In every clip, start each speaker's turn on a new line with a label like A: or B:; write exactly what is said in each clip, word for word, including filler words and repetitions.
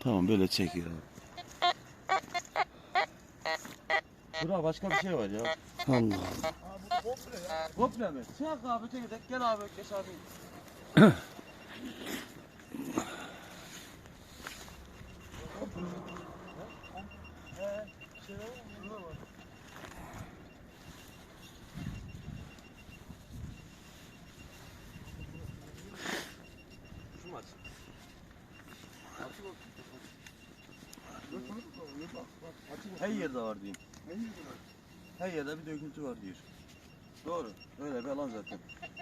A: Tamam böyle çekiyor abi. Bura başka bir şey var ya.
B: Allah.
C: Abi bu komple ya.
A: Komple mi? Çek abi tek tek gel abi geç abi. Şu mu açık? Açık olsun. Her yerde var diyeyim. Her yerde bir döküntü var diyor. Doğru. Öyle bir alan zaten.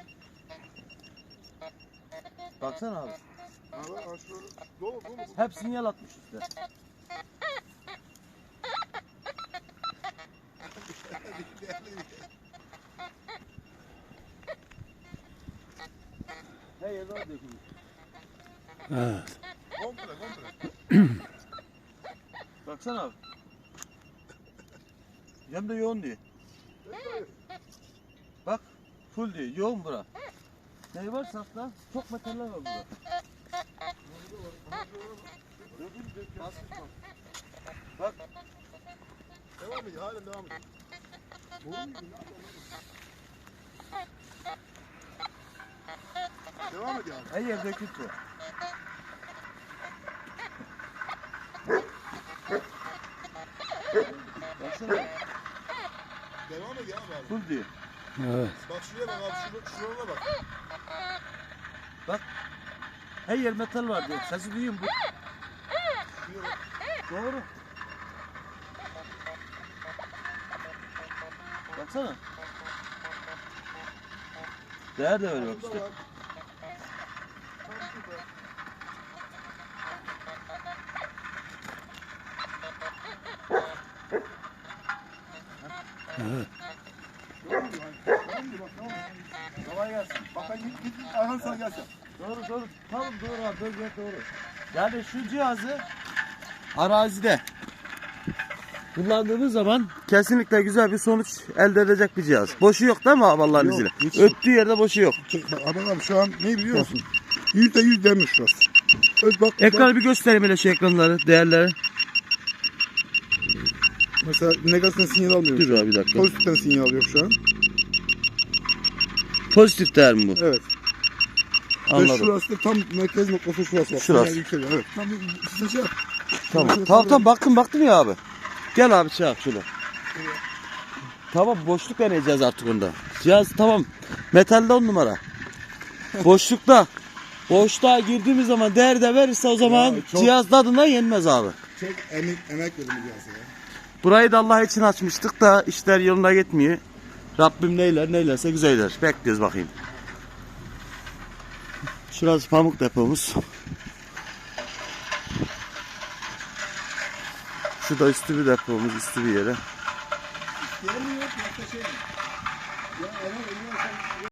A: Baksana abi.
C: Abi aşağı dolu dolu.
A: Hep sinyal atmış üstte. Her yerde var döküntü.
B: Evet.
C: Komple komple.
A: Baksana abi. Hem de yoğun diyor. Bak full diyor. Yoğun bura. Ne var safta? Çok metaller var burada. Bak.
C: Devam ediyor. Halen devam ediyor. Devam ediyor abi.
A: Her yer döküntü. Baksana.
C: Devam ediyor abi abi.
A: Full diyor.
B: Evet.
C: Bak şuraya bak abi. Şuraya, şuralara bak.
A: Bak. Her yer metal var diyor. Sesi duyuyor musun?
C: Şuraya bak.
A: Doğru. Baksana. Değer de öyle bak
C: Burada
A: işte.
C: var. Tam şurada.
B: Evet.
C: Devam ediyor. Devam ediyor bak. Devam ediyor.
A: Kolay gelsin.
C: Bak ben git git git. Ayhan sana gelsin.
A: Doğru doğru. Tamam doğru abi. Bölge doğru. Yani şu cihazı arazide kullandığımız zaman kesinlikle güzel bir sonuç elde edecek bir cihaz. Boşu yok değil mi abi Allah'ın
C: Yok,
A: izniyle?
C: hiç.
A: Öttüğü yerde boşu yok.
C: Çek bak adam abi şu an ne biliyor musun? Yüzde yüz demiş şurası. Öz bak. bak.
A: Ekranı bir göstereyim hele şu ekranları, değerleri.
C: Mesela negatiften sinyal almıyor.
A: Dur abi bir dakika.
C: Pozitiften sinyal alıyor şu an.
A: Pozitif değer mi bu?
C: Evet. Ve
A: Anladım.
C: şurası da tam merkez noktası şurası. Bak.
A: Şurası.
C: Sinyal yükseliyor. Evet. Tam bir size şey yap.
A: Tamam.
C: Şurası
A: Tamam
C: da-
A: tamam baktım baktım ya abi. Gel abi şey yap şöyle. Tamam boşluk deneyeceğiz artık onda. Cihaz tamam. Metalde on numara. Boşlukta. Boşluğa girdiğimiz zaman değer de verirse o zaman
C: Ya, çok-
A: cihaz tadına yenmez abi.
C: Çok emek, emek verdim bu cihaza ya.
A: Burayı da Allah için açmıştık da işler yoluna gitmiyor. Rabbim neyler neylerse güzeller. Bekliyoruz bakayım. Şurası pamuk depomuz. Şu da üstü bir depomuz, üstü bir yere.
C: Gelmiyor, başka şey mi? Ya ama